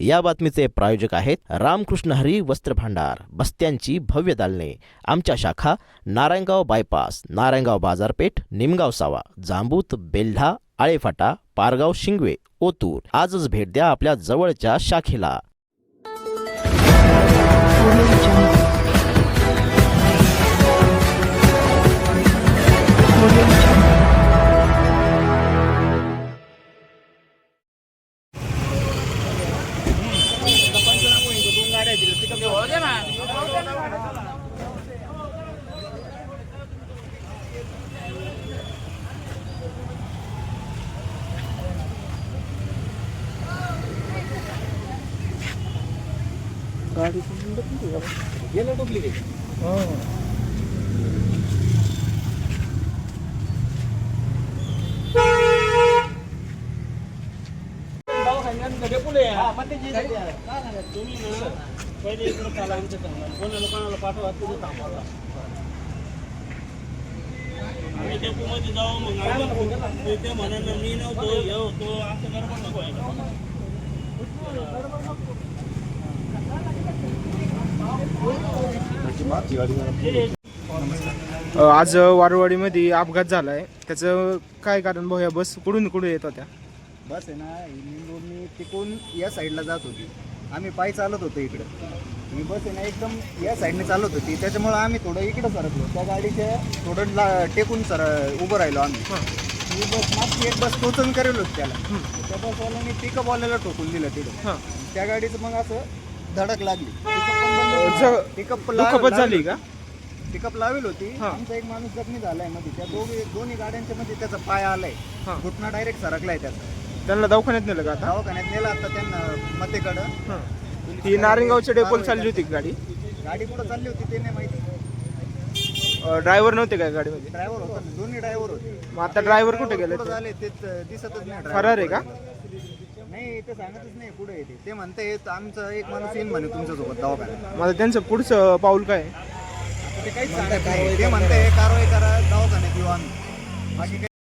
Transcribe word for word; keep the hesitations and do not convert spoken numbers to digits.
या बातमीचे प्रायोजक आहेत रामकृष्ण हरी वस्त्र भांडार, बस्त्यांची भव्य दालने। आमच्या शाखा नारायणगाव बायपास, नारायणगाव बाजारपेठ, निमगाव सावा, जांबूत, बेल्ढा, आळेफाटा, पारगाव, शिंगवे, ओतूर। आजच भेट द्या आपल्या जवळच्या शाखेला। गाडी गेलं डुप्लिकेट. तुम्ही ना पहिले इकडे चाला, कोणाला कोणाला पाठवा, तुम्ही थांबवा. आम्ही डेपोमध्ये जाऊ, मग आम्ही ते म्हणा मी नव्हतो हे होतो असं गडबड नको आहे. आज वारवाडीमध्ये अपघात झाला आहे, त्याचं काय कारण भाऊ? या बस कुठून कुठे येत होत्या? बस आहे ना, निंदूरनी तिकून या साईडला जात होती. आम्ही पायी चालत होतो इकडं. ही बस आहे ना एकदम या साईडने चालत होती, त्याच्यामुळं आम्ही थोडं इकडं सरकलो. त्या गाडीच्या थोडं ला टेकून सर उभं राहिलो आम्ही. ही बस मागची एक बस टोचन करेल होती त्याला. त्या बसवाल्याने पिकअपवाल्याला टोकून दिलं तिथं. त्या गाडीचं मग असं धडक लागली. पिकअप दुखापत झाली का? पिकअप लावेल होती. आमचा एक माणूस जखमी झालाय मध्ये. त्या दोघे दोन्ही गाड्यांच्या मध्ये त्याचा पाय आलाय, घुटना डायरेक्ट सरकलाय त्याचा. त्यांना दवाखान्यात नेलं का? आता दवाखान्यात नेला आता त्यांना मतेकडं. ही नारायणगावच्या डेपोला चालली होती गाडी. गाडी कुठं चालली होती ते नाही माहिती. ड्रायव्हर नव्हते का गाडीमध्ये? ड्रायव्हर होता, दोन्ही ड्रायव्हर होते. मग आता ड्रायव्हर कुठे गेले? कुठं झाले ते दिसतच नाही. फरार आहे का? नाही, ते सांगतच नाही कुठे येते. ते म्हणते आमचं एक माणूस येईन म्हणे तुमच्यासोबत दवाखान्यात. मला त्यांचं पुढचं पाऊल काय? ते काहीच सांगत नाही. ते म्हणते कारवाई करा, दवाखान्यात येऊ आम्ही. बाकी